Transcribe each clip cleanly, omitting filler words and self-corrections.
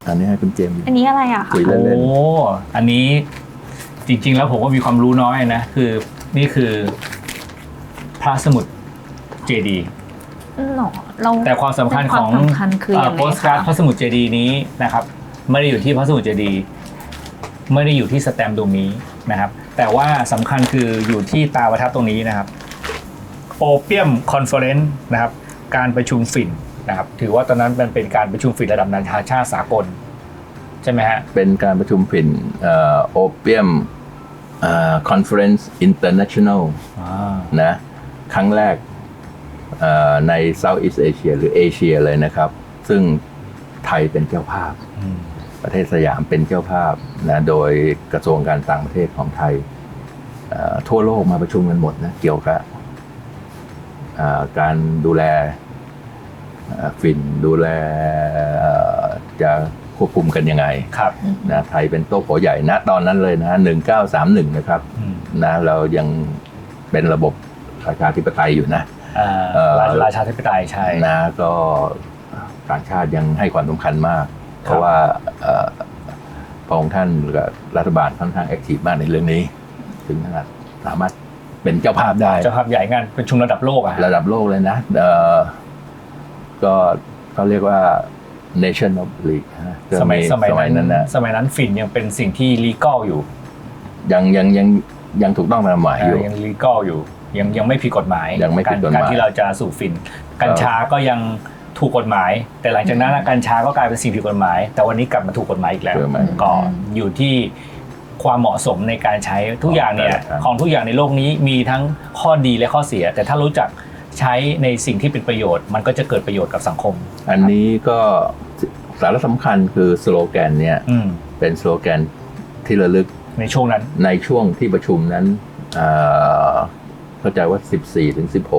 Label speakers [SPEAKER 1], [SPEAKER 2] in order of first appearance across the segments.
[SPEAKER 1] อันนี้ให้คุณเจมส์
[SPEAKER 2] อันนี้อะไรอะคะ
[SPEAKER 1] คุยเล่น
[SPEAKER 3] โอ้อันนี้จริงๆแล้วผมก็มีความรู้น้อยนะคือนี่คือพระสมุดเจดีย์
[SPEAKER 2] หรอเรา
[SPEAKER 3] แต่ความสำคัญของ
[SPEAKER 2] ความสำคัญคือยังไง
[SPEAKER 3] โปสการ์ด
[SPEAKER 2] คะ
[SPEAKER 3] พระสมุดเจดีย์นี้นะครับไม่ได้อยู่ที่พระสมุดเจดีย์ไม่ได้อยู่ที่สแตมป์ตรงนี้นะครับแต่ว่าสำคัญคืออยู่ที่ตาประทับตรงนี้นะครับโอเปียมคอนเฟอเรนซ์นะครับการประชุมฝิ่นนะครับถือว่าตอนนั้นมันเป็นการประชุมฝิ่นระดับนานาชาติสากลใช่ไหมฮะ
[SPEAKER 1] ๆเป็นการประชุมฝิ่นโอเปียมคอนเฟอเรนซ์อินเตอร์เนชั่นแนลนะครั้งแรกใน Southeast Asia หรือเอเชียเลยนะครับซึ่งไทยเป็นเจ้าภาพประเทศสยามเป็นเจ้าภาพนะโดยกระทรวงการต่างประเทศของไทยทั่วโลกมาประชุมกันหมดนะเกี่ยวกับการดูแลฝิ่นดูแลจะควบคุมกันยังไง
[SPEAKER 3] ครับ
[SPEAKER 1] นะไทยเป็นโต๊ะโผใหญ่นะตอนนั้นเลยนะ1931นะครับนะเรายังเป็นระบบประชาธิปไตยอยู่นะ
[SPEAKER 3] ราชาธิปไตยใช่
[SPEAKER 1] นะก็ต่างชาติยังให้ความสำคัญมากเพราะว่าพระองค์ท่านกับรัฐบาลค่อนข้างแอคทีฟมากในเรื่องนี้ถึงขนาดสามารถเป็นเจ้าภาพได้
[SPEAKER 3] เจ้าภาพใหญ่งานประชุมระดับโลกอะ
[SPEAKER 1] ระดับโลกเลยนะก็เขาเรียกว่า Nation of League
[SPEAKER 3] สมัยนั้น
[SPEAKER 1] นะ
[SPEAKER 3] สมัยนั้นฝิ่นยังเป็นสิ่งที่ลีกัลอยู่
[SPEAKER 1] ยังถูกต้องตามหมายอยู่
[SPEAKER 3] ยังลีกัลอยู่ยังไม่ผิดกฎหมาย
[SPEAKER 1] ยังไม่ผิดกฎหมาย
[SPEAKER 3] การที่เราจะสูบฝิ่นกัญชาก็ยังถูกกฎหมายแต่หลังจากนั้นกัญชาก็กลายเป็นสิ่งผิดกฎหมายแต่วันนี้กลับมาถูกกฎหมายอีกแล้วก็อยู่ที่ความเหมาะสมในการใช้ทุกอย่างเนี่ยของทุกอย่างในโลกนี้มีทั้งข้อดีและข้อเสียแต่ถ้ารู้จักใช้ในสิ่งที่เป็นประโยชน์มันก็จะเกิดประโยชน์กับสังคม
[SPEAKER 1] อันนี้ก็สาระสำคัญคือสโลแกนเนี่ยเป็นสโลแกนที่ระลึก
[SPEAKER 3] ในช่วงนั้น
[SPEAKER 1] ในช่วงที่ประชุมนั้นเข้าใจว่า14ถึง16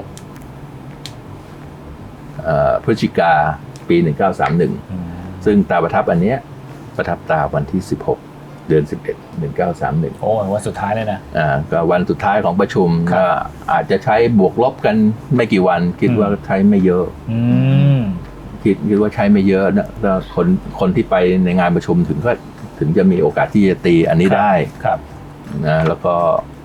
[SPEAKER 1] พฤศจิกาปี1931ซึ่งตาประทับอันเนี้ยประทับตาวันที่16เดือน11 1931
[SPEAKER 3] โอ้วันสุดท้ายเลยนะ
[SPEAKER 1] ก็วันสุดท้ายของประชุมก็อาจจะใช้บวกลบกันไม่กี่วันคิดว่าใช้ไม่เยอะคิดว่าใช้ไม่เยอะนะแล้วคนที่ไปในงานประชุมถึงจะมีโอกาสที่จะตีอันนี้ได้นะแล้วก็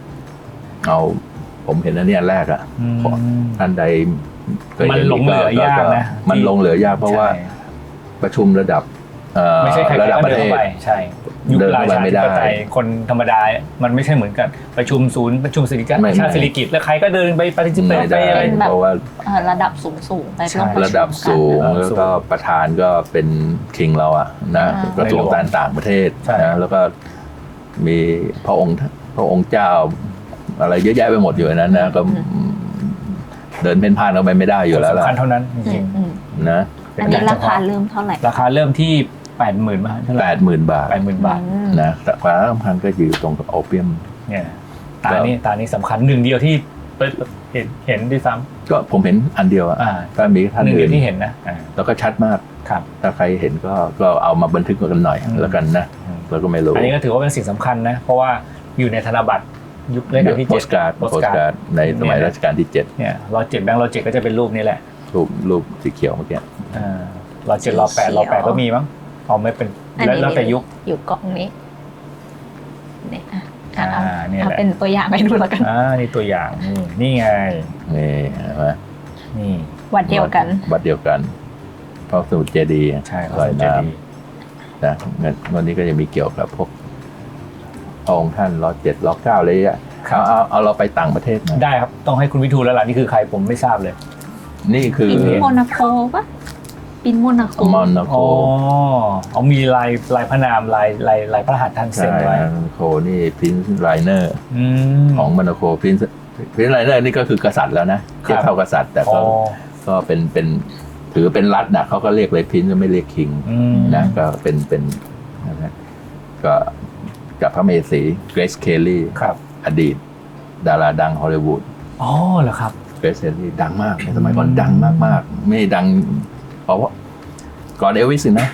[SPEAKER 1] ผมเห็นอันนี้อันแรกท่านใด
[SPEAKER 3] มันลงเหลือยากนะ
[SPEAKER 1] มันลงเหลือยากเพราะว่าประชุมระดับ
[SPEAKER 3] ไม่ใช่ใครก็เดินเข้าไปใช่ยุคราชาธิปไตยคนธรรมดามันไม่ใช่เหมือนกันประชุมศูนย์ประชุมสิริกิติ์ชาติสิริกิติ์แล้วใครก็เดินไปปฏิบัติไปอะไร
[SPEAKER 2] เพราะว่าระดับสูงไประ
[SPEAKER 1] ดับสูงแล้วก็ประธานก็เป็นคิงเราอะนะกระทรวงการต่างประเทศนะแล้วก็มีพระองค์เจ้าอะไรเยอะแยะไปหมดอยู่นั้นนะก็เดินเพ่นพ่านเข้าไปไม่ได้อยู่แล้วล่ะ
[SPEAKER 3] สำคัญเท่านั้นจริง
[SPEAKER 1] ๆนะ
[SPEAKER 2] อันนี้ราคาเริ่มเท่าไหร่
[SPEAKER 3] ราคาเริ่มที่ 80,000 บาท
[SPEAKER 1] 80,000 บาทนะแต่ความสำคัญก็อยู่ตรงกับโอเปียม
[SPEAKER 3] เนี่ยตานี้สำคัญหนึ่งเดียวที่เห็นด้วยซ้ำ
[SPEAKER 1] ก็ผมเห็นอันเดียวก็มีท่าน
[SPEAKER 3] อื่นที่เห็นนะ
[SPEAKER 1] แล้วก็ชัดมาก
[SPEAKER 3] ครับ
[SPEAKER 1] ถ้าใครเห็นก็เอามาบันทึกกันหน่อยแล้วกันนะแล้วก็ไม่รู้
[SPEAKER 3] อันนี้ก็ถือว่าเป็นสิ่งสำคัญนะเพราะว่าอยู่ในธนบัตรยุครัชกาลที่7
[SPEAKER 1] โปสการ์ดในสมัยรัชกาลที่7
[SPEAKER 3] เนี่ยรอ7แบงค์รอ7ก็จะเป็นรูปนี้แหละ
[SPEAKER 1] รูปสีเขียวเมื่อกี้
[SPEAKER 3] รอ7รอ8ก็มีมั้งไม่เป็นแล้วแต่ยุค
[SPEAKER 2] อยู่กล่องนี้เนี่ยเอาเป็นตัวอย่างให้ดูแล้วกัน
[SPEAKER 3] นี่ตัวอย่างนี่ไง
[SPEAKER 1] นี่เห็นไหม
[SPEAKER 3] นี่
[SPEAKER 2] วัดเดียวกัน
[SPEAKER 1] พระสมุดเจดีย์
[SPEAKER 3] ใช่
[SPEAKER 1] ลอยน้ำนะวันนี้ก็จะมีเกี่ยวกับพวกองค์ท่านรอ7รอ9เลยอ่ะเอาเราไปต่างประเทศ
[SPEAKER 3] ได้ครับต้องให้คุณวิทูลแล้วล่ะนี่คือใครผมไม่ทราบเลย
[SPEAKER 1] นี่คือ
[SPEAKER 2] ปินโมนาโคปะปินโมนาโค
[SPEAKER 3] มีลายพระนามลายพระหัตถ์ท่านเซ็นไว้
[SPEAKER 1] โคนี่พินซ์ไลเนอร์ของโมนาโคพินซ์ไลเนอร์นี่ก็คือกษัตริย์แล้วนะเทียบเท่ากษัตริย์แต่ก็เป็นถือเป็นรัฐนะเขาก็เรียกเลยพินซ์ไม่เรียกคิงนะก็เป็นนะก็กับพระเมสีเกรซเคลลี่อดีตดาราดังฮอลลีวูด
[SPEAKER 3] เหรอครับ
[SPEAKER 1] เกรซเคลลี่ดังมากในสมัยก่อนดังมากๆไม่ดังเพราะว่าก่อนเอลวิสนะ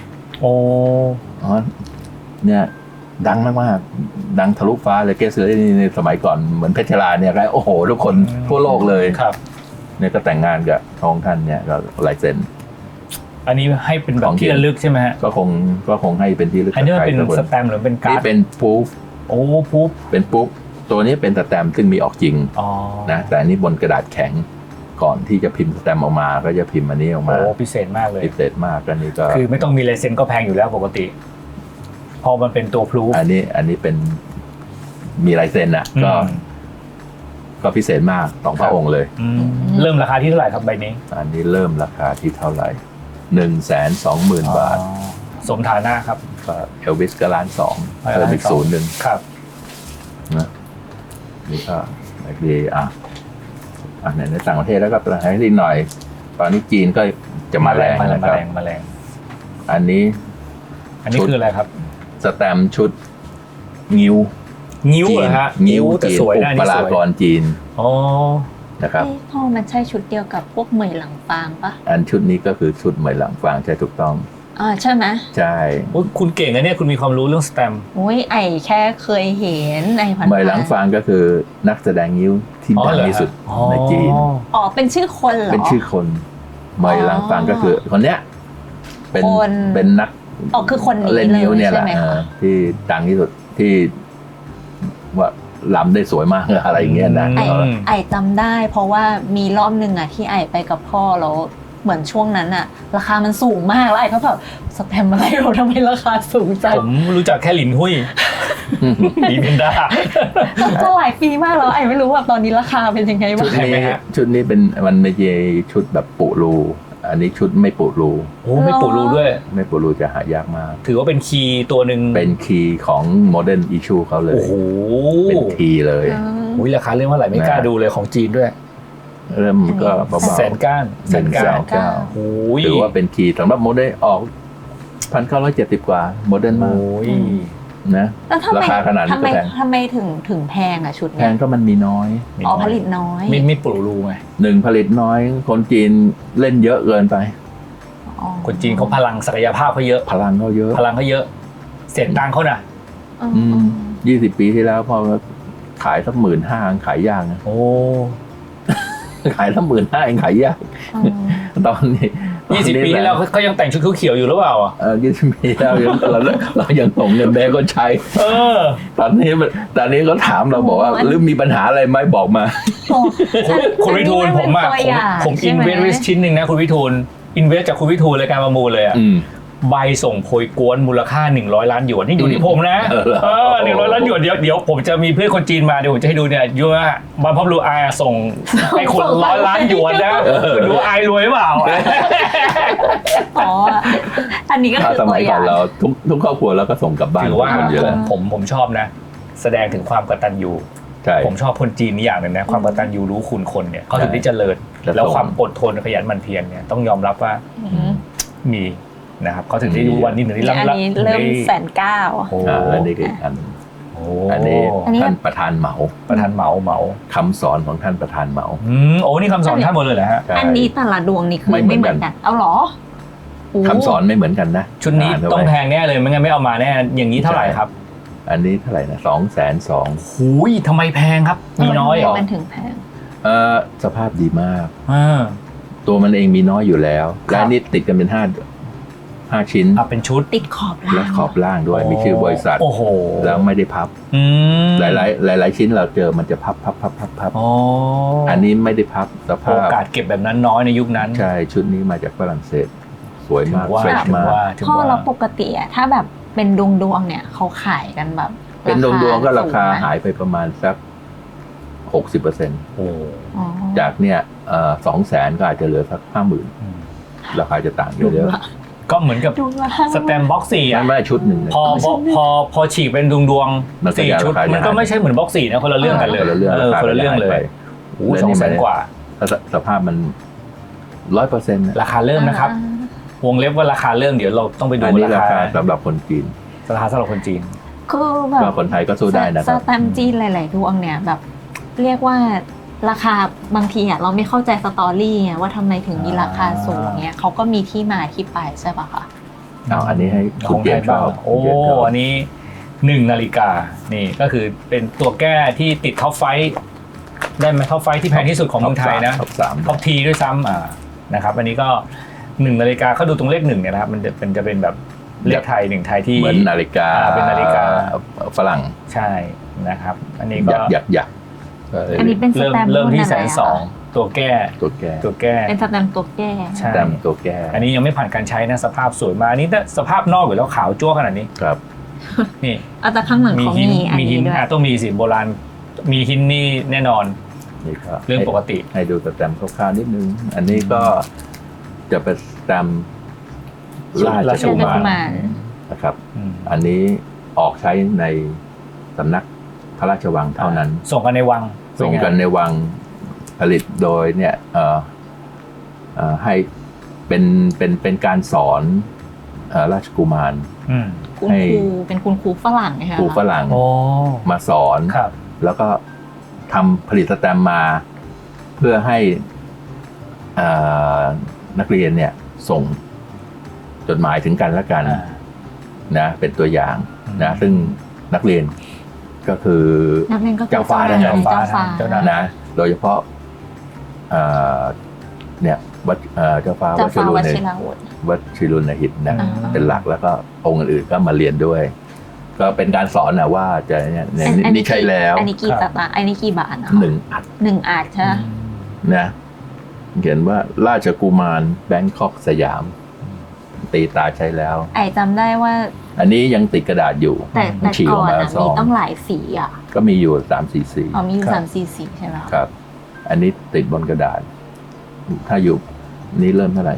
[SPEAKER 1] เนี่ยดังมากๆดังทะลุฟ้าเลยเกรซเคลลี่ในสมัยก่อนเหมือนเพชรลาเนี่ยโอ้โหทุกคนทั่วโลกเลยเนี่ยก็แต่งงานกับทองท่านเนี่ยก็ลายเซ็น
[SPEAKER 3] อันนี้ให้เป็นแบ
[SPEAKER 1] ข
[SPEAKER 3] บ
[SPEAKER 1] อง
[SPEAKER 3] ที่ระลึกใช่ไหมฮะ
[SPEAKER 1] ก็คงให้เป็นที่ระลึก
[SPEAKER 3] อันนี้มันเป็น
[SPEAKER 1] กับใคร
[SPEAKER 3] ส
[SPEAKER 1] สัก
[SPEAKER 3] แตมป์หรือเป็นการ์
[SPEAKER 1] นี่
[SPEAKER 3] ด
[SPEAKER 1] เป็นพูฟ
[SPEAKER 3] โอ้ปุ๊บ
[SPEAKER 1] เป็นปุ๊บตัวนี้เป็นสแตมป์ซึ่งมีออกจริง
[SPEAKER 3] อ๋อ
[SPEAKER 1] นะแต่อันนี้บนกระดาษแข็งก่อนที่จะพิมพ์สแตมป์ออกมาก็จะพิมพ์อันนี้ออกมา
[SPEAKER 3] โอ้พิเศษมากเลย
[SPEAKER 1] พิเศษมากอันนี้ก็
[SPEAKER 3] คือไม่ต้องมีลายเซ็นก็แพงอยู่แล้วปกติ พอมันเป็นตัวพลูฟ
[SPEAKER 1] อันนี้เป็นมีลายเซ็นอ่ะก็พิเศษมากสองพระองค์เลย
[SPEAKER 3] เริ่มราคาที่เท่าไหร่ครับใบนี้
[SPEAKER 1] อันนี้เริ่มราคาที่เท่าไหร่120,000 บาท
[SPEAKER 3] อ๋อสมฐานะครับ
[SPEAKER 1] ก็เอลวิสก็1.2 ล้านเพิ่มอีก1,000,000
[SPEAKER 3] ครับ
[SPEAKER 1] นะนี่ก็โอเคในต่างประเทศแล้วก็ต่างประเทศนิดหน่อย ตอนนี้จีนก็จะมาแรงนะครับ
[SPEAKER 3] มาแรง
[SPEAKER 1] อันนี้
[SPEAKER 3] อันนี้คืออะไรครับ
[SPEAKER 1] สแตมป์ชุดงิ้ว
[SPEAKER 3] งิ้ว
[SPEAKER 1] จี
[SPEAKER 3] เหร
[SPEAKER 1] น
[SPEAKER 3] อฮะ
[SPEAKER 1] งิ้ว
[SPEAKER 3] แต่
[SPEAKER 1] จีน
[SPEAKER 3] สวย
[SPEAKER 1] อุ
[SPEAKER 3] นะอัน
[SPEAKER 1] ป
[SPEAKER 3] นี้
[SPEAKER 1] รา
[SPEAKER 3] สวย
[SPEAKER 1] กรจีน
[SPEAKER 3] อ๋อ
[SPEAKER 1] นะครับ
[SPEAKER 2] พ่อมันใช่ชุดเดียวกับพวกเหมยหลังฟางปะ
[SPEAKER 1] อันชุดนี้ก็คือชุดเหมยหลังฟางใช่ถูกต้อง
[SPEAKER 2] ใช่ไหม
[SPEAKER 1] ใช่
[SPEAKER 3] โอ้ยคุณเก่งนะเนี่ยคุณมีความรู้เรื่องสแตมป์
[SPEAKER 2] โอ้ยไอแค่เคยเห็นไอผ่าน
[SPEAKER 1] เหมยหลังฟางก็คือนักแสดงงิ้วที่ดังที่สุดในจีน
[SPEAKER 2] อ๋อเป็นชื่อคนเหรอ
[SPEAKER 1] เป็นชื่อคนเหมยหลังฟางก็คือคนเนี้ยเป็น
[SPEAKER 2] คน
[SPEAKER 1] เป็นนัก
[SPEAKER 2] อ๋อคือคนนี้
[SPEAKER 1] เล่นนิ้วเนี่ยแห
[SPEAKER 2] ใช่
[SPEAKER 1] ละ
[SPEAKER 2] ไหมคะ
[SPEAKER 1] ที่ดังที่สุดที่ว่าลำได้สวยมากอะไรอย่างเงี้ยนะ
[SPEAKER 2] ไอจำได้ เพราะว่ามีรอบหนึ่งอะที่ไอไปกับพ่อแล้วเหมือนช่วงนั้นอะราคามันสูงมากแล้วไอก็แบบสแตมป์อะไรเราทำไมราคาสูงจัง
[SPEAKER 3] ผมรู้จักแค่หลินหุ้ยดีเพนด้า
[SPEAKER 2] ก็หลายปีมากแล้วไอไม่รู้ว่าตอนนี้ราคาเป็นยังไงบ้าง
[SPEAKER 3] ใช่ไหมฮะ
[SPEAKER 1] ชุดนี้เป็นมันไม่ใช่ชุดแบบปุรูอันนี้ชุดไม่ปุรู
[SPEAKER 3] โอ้ไม่ปูรูด้วย
[SPEAKER 1] ไม่ปุรูจะหายากมาก
[SPEAKER 3] ถือว่าเป็นคีย์ตัวหนึ่ง
[SPEAKER 1] เป็นคีย์ของโมเดิร์นอิชูเขาเลย
[SPEAKER 3] โอ้โห
[SPEAKER 1] เป็นคีย์เลย
[SPEAKER 3] อุ้ยราคาเรื่องว่าไหร่ไม่กล้าดูเลยของจีนด้วย
[SPEAKER 1] เริ่มก็เบาๆ
[SPEAKER 3] แสนก้านแสนก้าน
[SPEAKER 1] 1,900,000
[SPEAKER 3] โอ้ย
[SPEAKER 1] ถือว่าเป็นคีย์สำหรับโมเดิร์นออก1,970 กว่าโมเดิร์นมาก
[SPEAKER 3] โอ้ย
[SPEAKER 1] นะ
[SPEAKER 2] แล้วทำไม
[SPEAKER 1] ราคาขนาดนี้ก็แพง
[SPEAKER 2] ทำไมถึงแพงอะชุด
[SPEAKER 1] แพ
[SPEAKER 2] เนี้
[SPEAKER 1] ง
[SPEAKER 2] ย
[SPEAKER 1] ก็มันมีน้อย
[SPEAKER 2] อ๋อผลิตน้อย
[SPEAKER 3] ไม่ปูรูไง
[SPEAKER 1] หนึ่งผลิตน้อย คนจีนเล่นเยอะเกินไป
[SPEAKER 2] อ๋อ
[SPEAKER 3] คนจีนเขาพลังศักยภาพเขาเยอะ
[SPEAKER 1] พลังเขาเยอะ
[SPEAKER 3] พลังเขาเยอะเสียงตังค์เขาน่ะ
[SPEAKER 1] 20 ปีที่แล้วพอขายสัก15,000ขายยากนะ
[SPEAKER 3] โอ้
[SPEAKER 1] ขายสัก15,000เองขายยาก ตอนนี้
[SPEAKER 3] 20 ปีที่แล้วเขายังแต่งชุดเขียวๆอยู่หรือเปล่าอ่ะ
[SPEAKER 1] 20 ปีแล้วเรายังส่งเงินแบงก์ก็ใช้
[SPEAKER 3] เออ
[SPEAKER 1] ตอนนี้เขาถามเราบอกว่าหรือมีปัญหาอะไรไหมบอกมา
[SPEAKER 3] คุณวิทูลผมอ่ะผมอินเวสต์ชิ้นหนึ่งนะคุณวิทูลอินเวสจากคุณวิทูลรายการประมูลเลยอ่ะใบส่งโพยกวนมูลค่า100 ล้านหยวนนี่อยู่ที่ผมนะ100 ล้านหยวนเดี๋ยวผมจะมีเพื่อนคนจีนมาเดี๋ยวผมจะให้ดูเนี่ยยูว่าบางพ่อรู้อาส่งให้คน100 ล้านหยวนนะคุณดูอายรวยเปล่า
[SPEAKER 2] อ๋ออันนี้ก็คือ
[SPEAKER 1] ส
[SPEAKER 2] ตั
[SPEAKER 1] มั
[SPEAKER 2] วย อ
[SPEAKER 1] ก่
[SPEAKER 2] ย่า
[SPEAKER 1] อง นเราทุกครอบครัวเราก็ส่งกลับบ้าน
[SPEAKER 3] ถือว่า
[SPEAKER 1] คนเยอะ
[SPEAKER 3] ผมชอบนะ แสดงถึงความกตัญญู
[SPEAKER 1] ใช่
[SPEAKER 3] ผมชอบคนจีนนี่อย่างหนึ่งนะความกตัญญูรู้คุณคนเนี่ยเขาถึงได้เจริญ
[SPEAKER 1] จะ
[SPEAKER 3] แล้ว
[SPEAKER 1] ส่ง
[SPEAKER 3] ความอดทนขยันหมั่นเพียรเนี่ยต้องยอมรับว่ามีนะครับเขาถึงได้รู้วันนี้ถึงได้
[SPEAKER 2] อันนี้เริ่ม1,900,000
[SPEAKER 3] โอ้
[SPEAKER 1] แล้วนี่คืออีกอัน
[SPEAKER 3] โอ้
[SPEAKER 1] อันนี้
[SPEAKER 2] อันนี้
[SPEAKER 1] ท่านประธานเหมา
[SPEAKER 3] ประธานเหมา
[SPEAKER 1] คำสอนของท่านประธานเหมา
[SPEAKER 3] โอ้นี่คำสอนท่านหมดเลยเหรอฮะ
[SPEAKER 1] ใช่
[SPEAKER 2] อันนี้แต่ละดวงนี่คือ
[SPEAKER 1] ไม่
[SPEAKER 2] ไม่
[SPEAKER 1] เห
[SPEAKER 2] เห
[SPEAKER 1] มื
[SPEAKER 2] มื
[SPEAKER 1] อ
[SPEAKER 2] อน น
[SPEAKER 1] กั
[SPEAKER 2] กัน นเอาเหรอโอ้
[SPEAKER 1] คำสอนไม่เหมือนกันนะ
[SPEAKER 3] ชุดนี้
[SPEAKER 1] านเข้าไป
[SPEAKER 3] ต้องแพงแน่เลยไม่งั้นไม่เอามาแน่อย่างนี้เท่าไหร่ครับ
[SPEAKER 1] อันนี้เท่าไหร่นะ202,000
[SPEAKER 3] หูยทำไมแพงครับมีน้อยเหรอ
[SPEAKER 2] มันถึงแพง
[SPEAKER 1] สภาพดีมาก
[SPEAKER 3] อ่า
[SPEAKER 1] ตัวมันเองมีน้อยอยู่แล้ว
[SPEAKER 3] ครับ
[SPEAKER 1] และนี่ติดกันเป็น5ชิ้น
[SPEAKER 3] เป็นชุด
[SPEAKER 2] ติดขอบล่าง
[SPEAKER 1] และขอบล่างด้วยมีชื่อบริษัท
[SPEAKER 3] โอ้โห
[SPEAKER 1] แล้วไม่ได้พับ
[SPEAKER 3] อืม
[SPEAKER 1] หลายชิ้นเราเจอมันจะพับ
[SPEAKER 3] อ๋อ
[SPEAKER 1] อันนี้ไม่ได้พับสภา
[SPEAKER 3] โอ
[SPEAKER 1] พ
[SPEAKER 3] กาสเก็บแบบนั้นน้อยในยุคนั้น
[SPEAKER 1] ใช่ชุดนี้มาจากฝรั่งเศส สวย
[SPEAKER 3] ถึง
[SPEAKER 1] มาก
[SPEAKER 3] ว่า
[SPEAKER 1] เฟรช
[SPEAKER 3] ถึง
[SPEAKER 1] มาก
[SPEAKER 3] ว่าถึง
[SPEAKER 2] พ่อ
[SPEAKER 3] ว่า
[SPEAKER 2] เราปกติอะถ้าแบบเป็นดวงเนี่ยเขาขายกันแบบ
[SPEAKER 1] เป็นดวงๆก็ราคา
[SPEAKER 2] สูงไหม
[SPEAKER 1] หายไปประมาณสัก 60%
[SPEAKER 3] โอ้
[SPEAKER 2] อ๋อ
[SPEAKER 1] จากเนี่ย200,000ก็อาจจะเหลือสัก 50,000ราคาจะต่างเยอะ
[SPEAKER 3] ก็เหมือนกับ
[SPEAKER 2] ดวงละ
[SPEAKER 3] สแตมบ็อกซี่
[SPEAKER 1] ๆ
[SPEAKER 3] อ่ะ
[SPEAKER 1] ไม่ชุดหนึ่งเนี่ย
[SPEAKER 3] พอฉีกเป็นดวง
[SPEAKER 1] มันก็
[SPEAKER 3] สี่
[SPEAKER 1] จะ
[SPEAKER 3] ชุด
[SPEAKER 1] ราคาจะ
[SPEAKER 3] มันก็ไม่ใช่เหมือนบ็อกซี่นะคนละเรื่องกันเลย
[SPEAKER 1] คนละเรื่อง
[SPEAKER 3] คนละเรื่องเลยโอ้200,000 กว่า
[SPEAKER 1] สภาพมัน 100%
[SPEAKER 3] ราคาเริ่มนะครับ วงเล็บว่าราคาเริ่มเดี๋ยวเราต้องไปดู
[SPEAKER 1] อันนี้รา
[SPEAKER 3] รา
[SPEAKER 1] คา
[SPEAKER 3] คา
[SPEAKER 1] สำหรับคนจีน
[SPEAKER 3] ราคาสำหรับคนจีน
[SPEAKER 2] คือแบ
[SPEAKER 1] ก็
[SPEAKER 2] บ
[SPEAKER 1] คนไทยก็สู้ได้นะค
[SPEAKER 2] ส
[SPEAKER 1] รับ
[SPEAKER 2] แตมป์จีนหลาย ๆ ดวงเนี่ยแบบเรียกว่าราคาบางทีอะเราไม่เข้าใจสตอรี่ไงว่าทำไมถึงมีราคาสูงเนี่ยเขาก็มีที่มาที่ไปใช่ปะคะ
[SPEAKER 1] เอาอันนี้ให้คุณเจนชอบ
[SPEAKER 3] โอ้
[SPEAKER 1] คุณเจนชอบ
[SPEAKER 3] อันนี้1 นาฬิกานี่ก็คือเป็นตัวแก้ที่ติดท็อปไฟว์ได้ไหมท็อปไฟว์ที่แพงที่สุดของเมืองไทยนะ
[SPEAKER 1] ท็อป 3
[SPEAKER 3] ท็อปทีด้วยซ้ำนะครับอันนี้ก็ 1 นาฬิกาเขาดูตรงเลข 1เนี่ยนะครับมันจะเป็นแบบเลขไทย1ไทยที่
[SPEAKER 1] เหมือนนาฬิกา
[SPEAKER 3] เป็นนาฬิกา
[SPEAKER 1] ฝรั่ง
[SPEAKER 3] ใช่นะครับอันนี้ก็
[SPEAKER 1] ยักษ์
[SPEAKER 2] อันนี้เป็นสแตมป์
[SPEAKER 3] เริ่มที่
[SPEAKER 2] รุ่นอะไรอะ
[SPEAKER 3] 120,000ตัวแก้
[SPEAKER 1] ตัวแก้
[SPEAKER 2] เป็นสแตมป์ตัวแก้
[SPEAKER 3] ใช่
[SPEAKER 1] แต้มตัวแก้
[SPEAKER 3] อันนี้ยังไม่ผ่านการใช้นะสภาพสวยมากอันนี้ถ้าสภาพนอกอยู่แล้วขาวจั่วขนาดนี้
[SPEAKER 1] ครับ
[SPEAKER 3] นี่
[SPEAKER 2] เอาแต่ข้างหลังเขามีอัน
[SPEAKER 3] หิ
[SPEAKER 2] นี้ด้วย
[SPEAKER 3] ต้องมีสิโบราณมีหินนี่แน่นอน
[SPEAKER 1] นี่ก็
[SPEAKER 3] เรื่องปกติ
[SPEAKER 1] ให้ดูสแตมป์คร่าวๆนิดนึง อันนี้ก็จะเป็นสแตมป์ราชกุมารนะครับ อันนี้ออกใช้ในสำนักพระราชวังเท่านั้น
[SPEAKER 3] ส่งกันในวัง
[SPEAKER 1] ส่งกันในวังผลิตโดยเนี่ยให้เป็นการสอนราชกุมาร
[SPEAKER 2] คุณครูเป็นคุณครูฝรั่งนะคะ
[SPEAKER 1] ครูฝรั่ง
[SPEAKER 3] โอ้
[SPEAKER 1] มาสอน
[SPEAKER 3] ครับ
[SPEAKER 1] แล้วก็ทำผลิตสแตมป์มาเพื่อให้นักเรียนเนี่ยส่งจดหมายถึงกันและกันนะเป็นตัวอย่างนะซึ่งนักเรียนก็คือ
[SPEAKER 2] นักเรียนก็คือ
[SPEAKER 1] เจ้าฟ้า
[SPEAKER 2] เจ้าฟ้า
[SPEAKER 1] นะโดยเฉพาะเนี่ยวัดเจ้าฟ้า
[SPEAKER 2] เจ้าฟ้า
[SPEAKER 1] วั
[SPEAKER 2] ว
[SPEAKER 1] ด
[SPEAKER 2] ชิรวุฒิ
[SPEAKER 1] วัดชิรุณหิตนะ
[SPEAKER 2] อ่า
[SPEAKER 1] เป็นหลักแล้วก็องค์อื่นๆก็มาเรียนด้วย ก็เป็นการสอนนะว่าจะเนี่ยนี่ใช่แล้ว
[SPEAKER 2] อันนี้กี่ตาอันนี้กี่บาทนะ
[SPEAKER 1] 1 อัด
[SPEAKER 2] 1 อาทใช่ไหม
[SPEAKER 1] นะเขียนว่าราชกุมารแบงคอกสยาม ตีตาใช้แล้ว
[SPEAKER 2] ไอจำได้ว่า
[SPEAKER 1] อันนี้ยังติดกระดาษอยู่
[SPEAKER 2] แต่
[SPEAKER 1] ฉีก
[SPEAKER 2] ก่
[SPEAKER 1] อ
[SPEAKER 2] อ
[SPEAKER 1] อก
[SPEAKER 2] น
[SPEAKER 1] มา
[SPEAKER 2] อะ
[SPEAKER 1] ซ
[SPEAKER 2] มี
[SPEAKER 1] อง
[SPEAKER 2] ต้องหลายสีอ่ะ
[SPEAKER 1] ก็มีอยู่3 4 สี
[SPEAKER 2] อ๋อมีอยู่3 4 สีใช่ไหม
[SPEAKER 1] ครับ อันนี้ติดบนกระดาษ ถ้าอยู่นี้เริ่มเท่าไหร่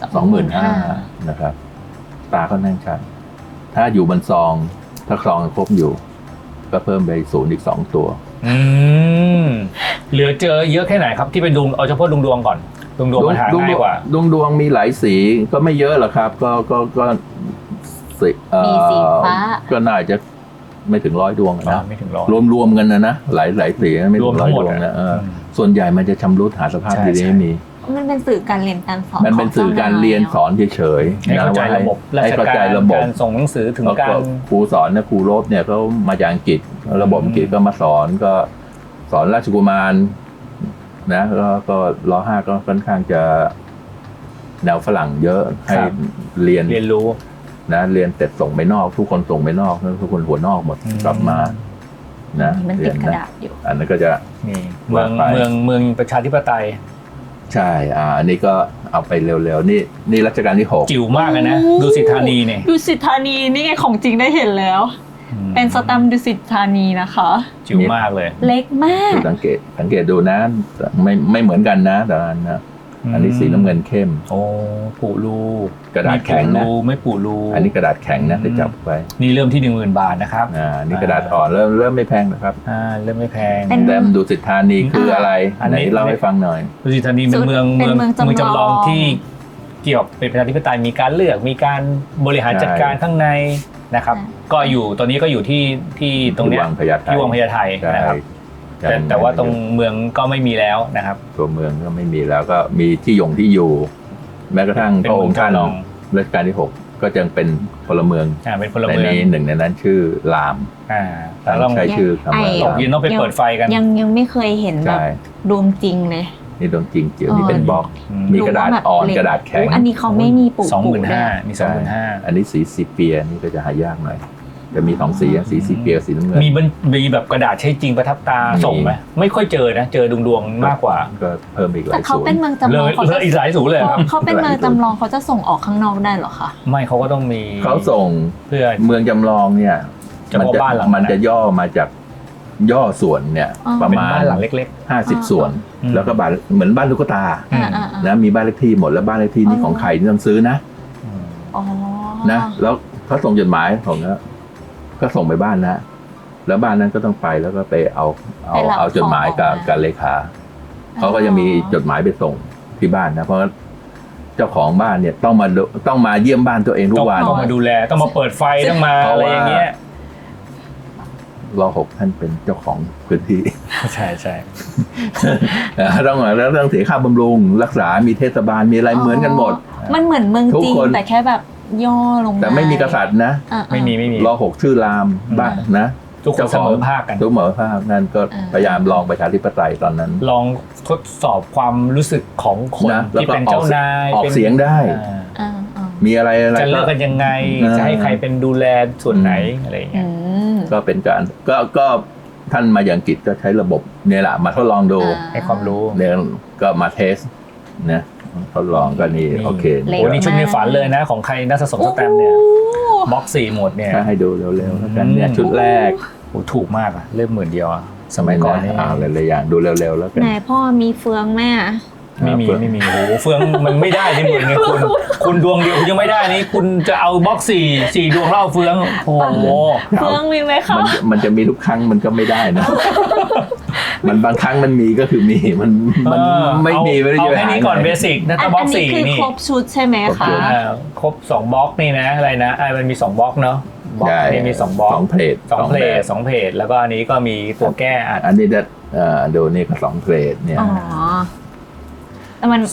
[SPEAKER 1] 25,000นะครับ ตาก็นั่งชัดถ้าอยู่บนซอง ถ้าซองครบอยู่ ก็เพิ่มไป0อีก2 ตัว
[SPEAKER 3] เหลือเจอเยอะแค่ไหนครับที่เป็นดวงเอาเฉพาะดวงก่อนดวงมันหาง่ายกว่า
[SPEAKER 1] ดวงมีหลายสีก็ไม่เยอะหรอกครับ ก็สี
[SPEAKER 2] มีสีฟ้า
[SPEAKER 1] ก็น่าจะไม่ถึง100 ดวงนะ
[SPEAKER 3] ไม่ถึงร้อย
[SPEAKER 1] รวมกันนะหลายสีไม่ถึง100 ดวงนะส่วนใหญ่มันจะชำรุดหาสภาพดีๆไม่มี
[SPEAKER 2] มันเป็นสื่อการเรียนการสอน
[SPEAKER 1] มันเป็นสื่อการเรียนสอนเฉยๆ
[SPEAKER 3] ให้เข้าใจระบบ
[SPEAKER 1] ให้เข้าใจระบบ
[SPEAKER 3] การส่งหนังสือถึงการ
[SPEAKER 1] ครูสอนนะครูโรบเนี่ยเขามาจากอังกฤษระบบอังกฤษก็มาสอนก็สอนราชกุมารนะก็ร.5 ก็ค่อนข้างจะแนวฝรั่งเยอะให้เรียน
[SPEAKER 3] รู้
[SPEAKER 1] นะเรียนเสร็จส่งไปนอกทุกคนส่งไปนอกทุกคนหัวนอกหมดกลับมานะ
[SPEAKER 2] มันติดกระดาษอยู่
[SPEAKER 1] อันนั้นก็จะ
[SPEAKER 3] นี่เมืองประชาธิปไตย
[SPEAKER 1] ใช่อันนี้ก็เอาไปเร็วๆนี่รัชกาลที่ 6
[SPEAKER 3] จิ๋วมากเลยนะดูสิธานีเนี่ย
[SPEAKER 2] ดูสิธานีนี่ไงของจริงได้เห็นแล้ว เป็นสแตมป์ดุสิตธานีนะคะ
[SPEAKER 3] จิ๋วมากเลย
[SPEAKER 2] เล็กมาก
[SPEAKER 1] สังเกตดูนะไม่เหมือนกันนะแต่ละอันนะอันนี้สีน้ำเงินเข้ม
[SPEAKER 3] โอ้ปูรู
[SPEAKER 1] กระดาษแข็งนะ
[SPEAKER 3] ไม่ปูรู
[SPEAKER 1] อันนี้กระดาษแข็งนะไปจับไป
[SPEAKER 3] นี่เริ่มที่ 10,000 บาทนะครับ
[SPEAKER 1] นี่กระดาษอ่อนเริ่มไม่แพงนะครับ
[SPEAKER 3] เริ่มไม่แพง
[SPEAKER 1] แต้มดุสิตธานีคืออะไรอันไหนเล่าให้ฟังหน่อย
[SPEAKER 3] ดุสิตธานีเป็นเมืองจำลองที่เกี่ยวเป็นประชาธิปไตยมีการเลือกมีการบริหารจัดการข้างในนะครับก็อยู่ตอนนี้ก็อยู่ที่ตรงนี้ที่วังพญาไทนะครับแต่ว่าตรงเมืองก็ไม่มีแล้วนะครับ
[SPEAKER 1] ตัวเมืองก็ไม่มีแล้วก็มีที่อยู่แม้กระทั่งพระองค์ท่านรัชกาลที่ 6ก็ยังเป็นพลเมือง
[SPEAKER 3] เป็นพลเมือง
[SPEAKER 1] หนึ่งในนั้นชื่อรามใช้ชื่อคำว่า
[SPEAKER 3] ตกเย็นต้องไปเปิดไฟกัน
[SPEAKER 2] ยังไม่เคยเห็นแบบดวงจริงเลย
[SPEAKER 1] นี่ดวงจริงเจียวนี่เป็นบล็อกมีกระดาษอ่อนกระดาษแข็ง
[SPEAKER 2] อันนี้เขาไม่มีปุ่ม
[SPEAKER 3] 25,000มี 25,000
[SPEAKER 1] อันนี้สีซีเปียนี่ก็จะหายากหน่อยจะมี2 สีสีซีเปียสีน้ำเงิน
[SPEAKER 3] มีแบบกระดาษใช้จริงประทับตาส่งไหมไม่ค่อยเจอนะเจอดวงมากกว่า
[SPEAKER 1] ก็เพิ่มอีกหลาย
[SPEAKER 2] แต่เขาเป็นเมืองจำลอง
[SPEAKER 3] เลยอีกหลายศูนย์เลยครับ
[SPEAKER 2] เขาเป็นเมืองจำลองเขาจะส่งออกข้างนอกได้หรอคะ
[SPEAKER 3] ไม่เขาก็ต้องมี
[SPEAKER 1] เขาส่ง
[SPEAKER 3] เพื่อ
[SPEAKER 1] เมืองจำลองเนี่ยมันจะย่อมาจากย่อส่วนเนี่ยประมาณ
[SPEAKER 3] บ้านหลังเล็ก
[SPEAKER 1] ๆ50 ส่วนแล้วก็บ้านเหมือนบ้านลูกตานะมีบ้านเลขที่หมดแล้วบ้านเลขที่นี่ของใครนี่ต้องซื้อนะนะแล้วเขาส่งจดหมายของก็ส่งไปบ้านนะแล้วบ้านนั้นก็ต้องไปแล้วก็ไปเอาจดหมายกับเลขาเขาก็จะมีจดหมายไปส่งที่บ้านนะเพราะเจ้าของบ้านเนี่ยต้องมาเยี่ยมบ้านตัวเองทุกวัน
[SPEAKER 3] ต้องมาดูแลต้องมาเปิดไฟต้องมาอะไรอย่างเงี้ย
[SPEAKER 1] ร.6 ท่านเป็นเจ้าของพื้นที่
[SPEAKER 3] ใช่
[SPEAKER 1] ต้องเสียค่าบำรุงรักษามีเทศบาลมีอะไรเหมือนกันหมด
[SPEAKER 2] มันเหมือนเมืองจีนแต่แค่แบบย่อลง
[SPEAKER 1] แต่ไม่มีกษัตริย์นะ
[SPEAKER 3] ไม่มี
[SPEAKER 1] ร.6 ชื่อรามบ้านนะ
[SPEAKER 3] ทุกคนเสมอภาคกัน
[SPEAKER 1] ทุกเสมอภาคนั่นก็พยายามลองประชาธิปไตยตอนนั้น
[SPEAKER 3] ลองทดสอบความรู้สึกของคน
[SPEAKER 1] นะ
[SPEAKER 3] ที่เป็นเจ้านาย
[SPEAKER 1] ออกเสียงได้ มีอะไร
[SPEAKER 3] จะเลิกกันยังไง จะให้ใครเป็นดูแลส่วนไหนอะไรอย่างเงี้ย
[SPEAKER 1] ก็เป็นการก็ท่านมาอย่างอังกฤษก็ใช้ระบบเนี่ยแหละมาทดลองดู
[SPEAKER 3] ให้ความรู้
[SPEAKER 1] เนี่ยก็มาเทสนะทดลองก็นี่โอเค
[SPEAKER 2] เร็
[SPEAKER 3] โอ้นี่ชุดในฝันเลยนะ ของใครน่าสะสมสแตมป์เนี่ยบล็อก4หมดเนี่ย
[SPEAKER 1] ถ้าให้ดูเร็วๆแล้วกันเนี่ยชุดแรก
[SPEAKER 3] โอ้ถูกมากอะเริ่ม10,000อะสมัยก่อนนี่
[SPEAKER 1] หลายๆอย่างดูเร็วๆแล้วกัน
[SPEAKER 2] ไหนพ่อมีเฟืองแม่
[SPEAKER 3] ไม่มีโอ้โหเฟืองมันไม่ได้ที่หมื่นเนี่ยคุณดวงเดียวคุณยังไม่ได้นี่คุณจะเอาบล็อก4ดวงเล่าเฟืองโอ้โห
[SPEAKER 2] เฟืองมีไหมคะ
[SPEAKER 1] มันจะมีทุกครั้งมันก็ไม่ได้นะ มันบางครั้งมันมีก็คือมีมันไม่มีไม่ได้
[SPEAKER 3] เอา
[SPEAKER 1] จะ
[SPEAKER 3] แค่นี้ก่อนเบสิกนะถ้าบล็อก4
[SPEAKER 2] คือ
[SPEAKER 3] นี่
[SPEAKER 2] ครบชุดใช่ไหมคะ
[SPEAKER 3] ครบ2บล็อกนี่นะอะไรนะมันมี2บล็อกเนาะบล็อกนี้มี2บล็อก
[SPEAKER 1] 2เพลท
[SPEAKER 3] 2เพจแล้วก็อันนี้ก็มีตัวแก้อัด
[SPEAKER 1] อันนี้จะดูนี่ก็2เพลทเนี่ย
[SPEAKER 2] อ๋อแต่มัน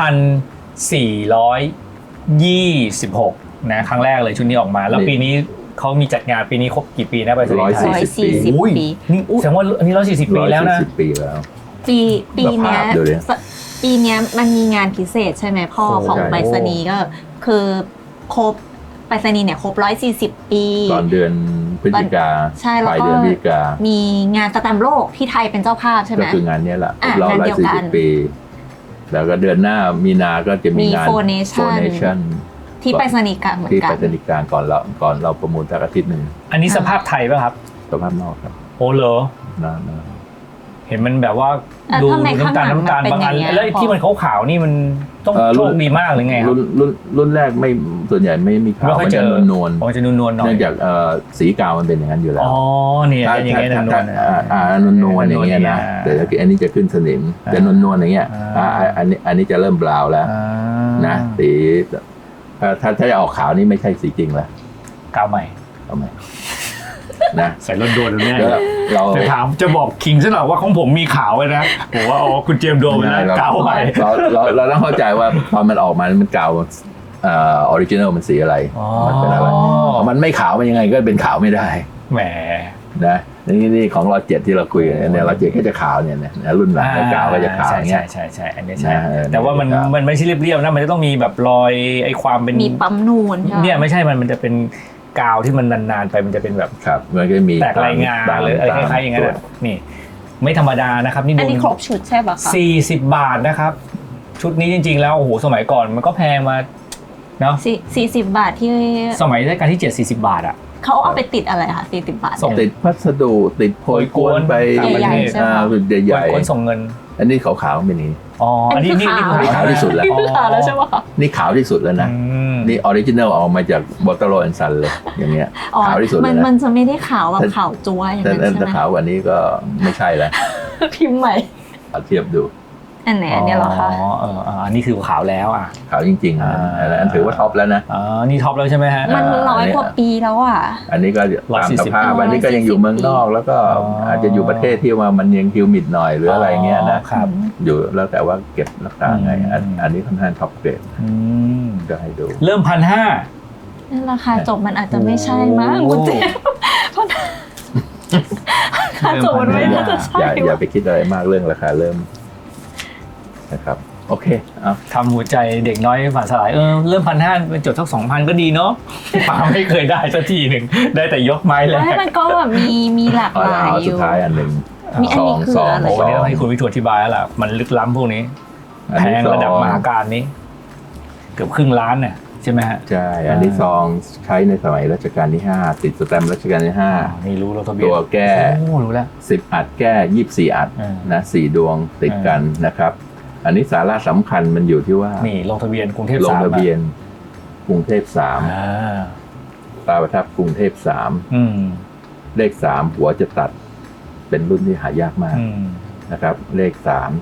[SPEAKER 3] 2,426นะครั้งแรกเลยชุดนี้ออกมา แล้วปีนี้เขามีจัดงานปีนี้ครบกี่ปีนะไปสนีย์ไทย
[SPEAKER 2] 140 ปี
[SPEAKER 3] นี่แสดงว่าอันนี้140 ปีแล้วนะ
[SPEAKER 1] 140 ปีแล้ว
[SPEAKER 2] ปีเนี้ย
[SPEAKER 1] ดูดิ
[SPEAKER 2] ปีเนี้ยมันมีงานพิเศษใช่ไหมพ่อ
[SPEAKER 1] โอ้
[SPEAKER 2] ของ
[SPEAKER 1] ใช่
[SPEAKER 2] ไปรษณีย์ก็คือครบไปรษณีย์เนี่ยครบ140 ปี
[SPEAKER 1] ตอนเดือนพฤศจิกา
[SPEAKER 2] ใช่แล้ว
[SPEAKER 1] ปลาย
[SPEAKER 2] ก็
[SPEAKER 1] เดือนพฤศจิกา
[SPEAKER 2] มีงานสแตมป์โลกที่ไทยเป็นเจ้าภาพใช่ไห
[SPEAKER 1] ก็
[SPEAKER 2] ม
[SPEAKER 1] คืองานนี้แหละ
[SPEAKER 2] อ่ะ
[SPEAKER 1] เรา
[SPEAKER 2] งานเดียวกัน
[SPEAKER 1] 140 ปี แล้วก็เดือนหน้ามีนาก็จะมีงาน
[SPEAKER 2] Four Nation ที่ไปรษณีย์กลางเหมือ
[SPEAKER 1] ที่
[SPEAKER 2] นกั
[SPEAKER 1] ไป
[SPEAKER 2] น
[SPEAKER 1] รษณีย์กลางก่อนเราประมูลจากอาทิตย์หนึ่ง
[SPEAKER 3] อันนี้สภาพไทยป่ะครับ
[SPEAKER 1] สภาพนอกครับ
[SPEAKER 3] โอ้เหรอ
[SPEAKER 1] นะ
[SPEAKER 3] เห็นมันแบบว่า
[SPEAKER 2] อ่ะ
[SPEAKER 3] ดู
[SPEAKER 2] ทำไม
[SPEAKER 3] น้ำตาล
[SPEAKER 2] ข้างหลัง
[SPEAKER 3] บางอัน
[SPEAKER 2] มันเป็นอย่างเงี้ย
[SPEAKER 3] แล้วที่มันขาวๆนี่มันต้องโชคดีมากหรือไงครับ
[SPEAKER 1] รุ่นแรกไม่ส่วนใหญ่ไม่มีขาว
[SPEAKER 3] ไม่ค่อย
[SPEAKER 1] มัน
[SPEAKER 3] เจ
[SPEAKER 1] จะ
[SPEAKER 3] อน
[SPEAKER 1] วล
[SPEAKER 3] อ๋อจะนวลๆหน่อย
[SPEAKER 1] เนื่องจากสีกาวมันเป็นอย่างนั้นอยู่แล้ว
[SPEAKER 3] อ๋อเนี่ย
[SPEAKER 1] ถ้า
[SPEAKER 3] อย่างเงี้ยนวลๆ
[SPEAKER 1] นวลๆอย่างเงี้ยนะแต่ถ้าอันนี้จะขึ้นสนิมจะนวลๆอย่างเงี้ยอันนี้จะเริ่มบราวน์แล้วนะสีถ้าจะออกขาวนี่ไม่ใช่สีจริงแล้ว
[SPEAKER 3] กาวใหม่
[SPEAKER 1] เอาไหมนะ
[SPEAKER 3] ใส่รถโดนแน่
[SPEAKER 1] แล้วเรา
[SPEAKER 3] จะถามจะบอกคิงซะหน่อยว่าของผมมีขาวเลยนะผมว่าอ๋อคุณเจมส์โดนไปแล้วกาวใหม่
[SPEAKER 1] เราต้องเข้าใจว่าตอนมันออกมามันกาวออริจินัลมันสีอะไรมันเป็นอะไรมันไม่ขาวมันยังไงก็เป็นขาวไม่ได้
[SPEAKER 3] แหม
[SPEAKER 1] นะนี่ของเรา7ที่เราคุยกันเนี่ยเรา7ก็จะขาวเนี่ยนะรุ่นหลังกาวก็จะขาวอย่างเงี้ย
[SPEAKER 3] ใช่อันนี้ใช่
[SPEAKER 1] แต่ว่า
[SPEAKER 3] มันไม่ใช่เรียบๆนะมันจะต้องมีแบบรอยไอ้ความเป็น
[SPEAKER 2] มีปั๊มนูนใช่ไหม
[SPEAKER 3] เนี่ยไม่ใช่มันจะเป็นกาวที่มันนานๆไปมันจะเป็นแบบ
[SPEAKER 1] ครับมันก็มี
[SPEAKER 3] แตกรายงานหรืออะไรคล้ายๆอย่างนั้นนี่ไม่ธรรมดานะครับนี่
[SPEAKER 2] อันนี้
[SPEAKER 3] โดน
[SPEAKER 2] ครบชุดใช่ปะคะ
[SPEAKER 3] 40 บาทนะครับชุดนี้จริงๆแล้วโอ้โหสมัยก่อนมันก็แพงมาเนาะ
[SPEAKER 2] 40 บาทที่
[SPEAKER 3] สมัยรัชกาลที่7 40 บาทอะ
[SPEAKER 2] เขาเอาไปติดอะไรคะ40 บาท
[SPEAKER 3] ส่ง
[SPEAKER 1] ติดพัสดุติดโพยกวนไป
[SPEAKER 2] ใหญ่ๆใช่ไหม
[SPEAKER 1] ใหญ่
[SPEAKER 3] คนส่งเงิน
[SPEAKER 1] อันนี้ขาวๆเป็นนี้
[SPEAKER 3] อ๋ออันนี้
[SPEAKER 2] คือขาว
[SPEAKER 1] ขาวที่สุดแล้ว
[SPEAKER 2] นี่คือขาวแล้วใช่ปะคะ
[SPEAKER 1] นี่ขาวที่สุดแล้วนะ นี่ออริจินัลออกมาจากบอตเตอร์โรแอนซันเลยอย่างเงี้ย
[SPEAKER 2] อ๋อ
[SPEAKER 1] ขาวที่สุดเลย
[SPEAKER 2] มัน
[SPEAKER 1] นะ
[SPEAKER 2] จะไม่ได้ขาวแบบขาวจั๊วอย่าง
[SPEAKER 1] แต่
[SPEAKER 2] นั้นใช่ไหม
[SPEAKER 1] ขาวกว่านี้ก็ไม่ใช่แล้ว
[SPEAKER 2] พิมพ์ใหม่
[SPEAKER 1] เอาเทียบดู
[SPEAKER 2] อันไหนอันเนี้ยเหรอคะ
[SPEAKER 3] อันนี้คือขาวแล้วอ่ะ
[SPEAKER 1] ขาวจริงๆอันถือว่าท็อปแล้วนะ
[SPEAKER 3] อ๋อนี่ท็อปแล้วใช่ไหมฮะ
[SPEAKER 2] มัน100 กว่าปีแล้วอ่ะ
[SPEAKER 1] อันนี้ก็ตามสภาพ
[SPEAKER 2] 140
[SPEAKER 1] อันนี้ก็ยังอยู่เมืองนอก แล้วก็อาจจะอยู่ประเทศที่ว่ามันยังฮิวมิดหน่อยหรืออะไรเงี้ยนะครับ อยู่แล้วแต่ว่าเก็บรักษาไงอันนี้ค่อนข้างท็อปเกรดก็ให้ดู
[SPEAKER 3] เริ่ม1,500
[SPEAKER 2] นั่นราคาจบมันอาจจะไม่ใช่มั้ง
[SPEAKER 3] โอ้
[SPEAKER 2] คุณเจมส์เพราะราคาจบมันไม่น่าจะใช่
[SPEAKER 1] อย่าไปคิดอะไรมากเรื่องราคาเริ่มนะครับโอเคเอา
[SPEAKER 3] ทำหัวใจเด็กน้อยฝันสลายเริ่ม1,500เป็นจดสัก 2,000 ก็ดีเนาะป๋าไม่เคยได้สักทีหนึ่งได้แต่ยกไม้แรก
[SPEAKER 2] ไม่มันก็แบบมีหลากหลายอ
[SPEAKER 1] สุด
[SPEAKER 2] ยู่
[SPEAKER 1] ท้ายอันหนึ่ง
[SPEAKER 2] มีอันนี้คืออะไร
[SPEAKER 3] โอ้นี่ต้องให้คุณวิทูลอธิบายแล้วล่ะมันลึกล้ำพวกนี้แพงระดับมหาการนี้ เกือบครึ่งล้านเนี่ยใช่ไหมฮะ
[SPEAKER 1] ใช่ อันนี้ซองใช้ในสมัยรัชกาลที่ 5 ติดสแตมป์รัชกาลที่
[SPEAKER 3] นี่รู้เราทะเบียน
[SPEAKER 1] ตัวแก้
[SPEAKER 3] โอ้รู้แล้ว
[SPEAKER 1] 10 อัดแก้ 24 อัดนะ4ดวงติดกันนะครับ อันนี้สาระสำคัญมันอยู่ที่ว่า
[SPEAKER 3] นี่ลงทะเบียนกรุงเทพ
[SPEAKER 1] ลง
[SPEAKER 3] 3
[SPEAKER 1] ทะเบียนกรุงเทพ
[SPEAKER 3] อ่า
[SPEAKER 1] 3ตราประทับกรุงเทพ3เลข3หัวจะตัดเป็นรุ่นที่หายากมากนะครับเลข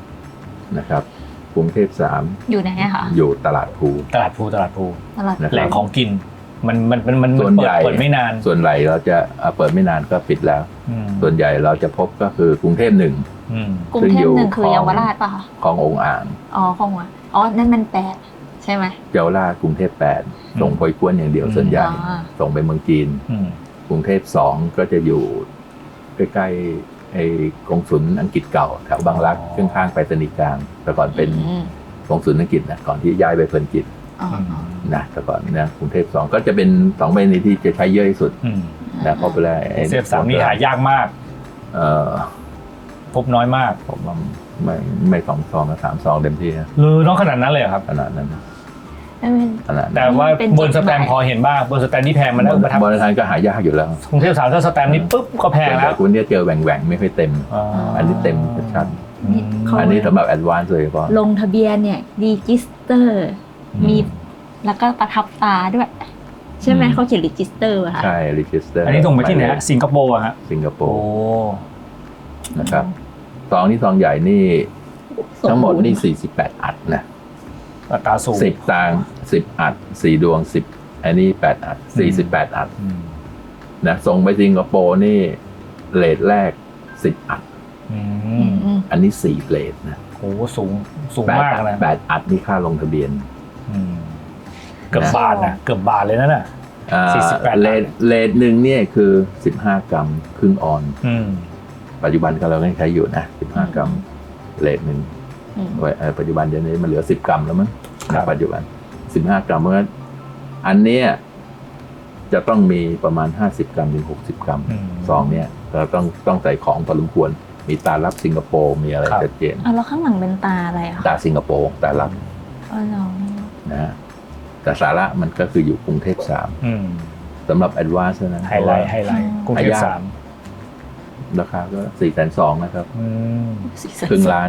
[SPEAKER 1] 3นะครับกรุงเทพ3
[SPEAKER 2] อยู่ไหนอะคะ
[SPEAKER 1] อยู่ตลาดภู
[SPEAKER 3] ตลาดภู
[SPEAKER 2] ตลาด
[SPEAKER 3] แหล่งของกินมัน
[SPEAKER 1] ส่วนใหญ่
[SPEAKER 3] เปิดไม่นาน
[SPEAKER 1] ส่วนใหญ่เราจะเปิดไม่นานก็ปิดแล้ว ส่วนใหญ่เราจะพบก็คือกรุงเทพ1
[SPEAKER 2] กรุงเทพ1คือเยาวราชป่ะคะ
[SPEAKER 1] ขององค์อ่าง
[SPEAKER 2] อ๋อของว่ะอ๋อนั่นมัน8ใช่ไหม
[SPEAKER 1] เยาวราชกรุงเทพ8ส่งโพยกวนอย่างเดียวส่วนใหญ่ส่งไปเมืองจีนกรุงเทพ2ก็จะอยู่ใกล้ๆไอ้กงสุลอังกฤษเก่าแถวบางรักข้างๆไปรษณีย์กลางแต่ก่อนเป็นกงสุลอังกฤษนะก่อนที่ย้ายไปเพลินจิตนะแต่ก่อนนะกรุงเทพ2ก็จะเป็น2ไปรษณีย์ที่จะใช้เยอะที่สุดนะเพราะเวลา
[SPEAKER 3] SF3 นี่หายากมากพบน้อยมาก
[SPEAKER 1] ผมว่าไม่2 ซองนะ3 ซองเต็มที่นะ
[SPEAKER 3] น้องขนาดนั้นเลยครับ
[SPEAKER 1] ขนาดนั้น
[SPEAKER 3] แต่ว่าบนสแตมป์พอเห็นบ้างบนสแตมป์นี่แพงมันแล้วประทับบ
[SPEAKER 1] นสแตมป์ก็หายากอยู่แล้ว
[SPEAKER 3] กรุงเทพ3ถ้าสแตมป์นี่ปุ๊บก็แพงแล้ว
[SPEAKER 1] คุณเนี่ยเจอแหว่งๆไม่ค่อยเต็มอันนี้เต็มชัดอันนี้สำหรับแอดวานซ์เลยก็
[SPEAKER 2] ลงทะเบียนเนี่ยรีจิสเตอร์มีแล้วก็ประทับตาด้วยใช่ไหมเขาเขียนรีจิสเตอร์ค่ะ
[SPEAKER 1] ใช่รีจิสเตอร์
[SPEAKER 3] อันนี้ส่งไปที่ไหนสิงคโปร์ฮะ
[SPEAKER 1] สิงคโปร์นะครับซองนี้ซองใหญ่นี่ทั้งหมดนี่48 อัดนะ
[SPEAKER 3] อัตราสูง
[SPEAKER 1] 10 ตังค์10 อัด4 ดวง10อันนี้8 อัด48 อัดนะส่งไปสิงคโปร์นี่เรทแรก10 อัดอันนี้4เรทนะ
[SPEAKER 3] โอ้สูงมากนะ
[SPEAKER 1] 8 อัดนี่ค่าลงทะเบียน
[SPEAKER 3] เกือบบาทนะเกือบบาทเลยนะน่ะ
[SPEAKER 1] 48เรทหนึ่งเนี่ยคือ15 กรัมครึ่งออนปัจจุบันก็เราใช้อยู่นะ15 กรัมเรทหนึ่งปัจจุบันเดี๋ยวนี้มันเหลือ10 กรัมแล้วมั้งปัจจุบัน15 กรัมเพราะฉะนั้นอันเนี้ยจะต้องมีประมาณ50 กรัมถึง60 กรัมซองเนี้ยเราต้องใส่ของพอสมควรมีตาลับสิงคโปร์มีอะไรชัดเจน
[SPEAKER 2] แล้วข้างหลังเป็นตาอะไรอ่ะ
[SPEAKER 1] ตาสิงคโปร์ตาลับนะแต่สาระมันก็คืออยู่กรุงเทพ3สำหรับแอดวานซ์นะ
[SPEAKER 3] ไฮไลท์กรุงเทพ
[SPEAKER 1] 3ราคาก็420,000นะครับครึ่งล้าน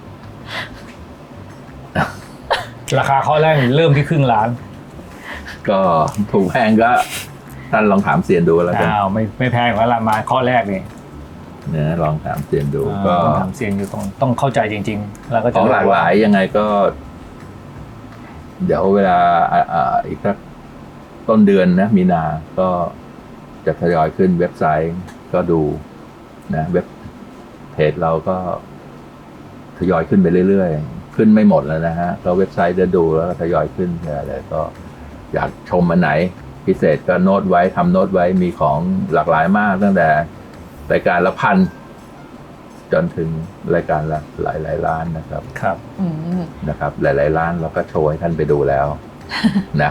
[SPEAKER 3] ราคาข้อแรกเริ่มที่ครึ่งล้าน
[SPEAKER 1] ก็ถูกแพงก็ท่านลองถามเซียนดูแล้วกัน
[SPEAKER 3] ไม่แพงกว่าละมาข้อแรกนี่
[SPEAKER 1] เนี่ยลองถามเซียนดูก็
[SPEAKER 3] ถามเซียนอยู่ต้องเข้าใจจริงๆแล้วก็
[SPEAKER 1] ของหลากหลายยังไงก็เดี๋ยวเวลาอีกสักต้นเดือนนะมีนาก็จะทยอยขึ้นเว็บไซต์ก็ดูนะเว็บเพจเราก็ทยอยขึ้นไปเรื่อยๆขึ้นไม่หมดแล้วนะฮะก็เว็บไซต์จะดูแล้วก็ทยอยขึ้นอะไรก็อยากชมอันไหนพิเศษก็โน้ตไว้ทำโน้ตไว้มีของหลากหลายมากตั้งแต่รายการละ1,000จนถึงรายการละหลายล้านนะครับนะครับหลายล้านเราก็โชว์ให้ท่านไปดูแล้วนะ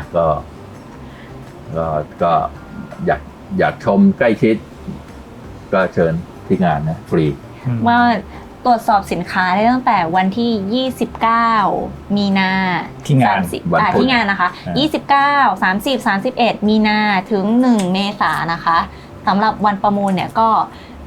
[SPEAKER 1] ก็อยากชมใกล้ชิดก็เชิญที่งานนะฟรี
[SPEAKER 2] ว่าตรวจสอบสินค้าได้ตั้งแต่วันที่29มีนา
[SPEAKER 3] ที่งาน
[SPEAKER 2] ที่งานนะคะ29 30 31มีนาถึง1เมษายนนะคะสำหรับวันประมูลเนี่ยก็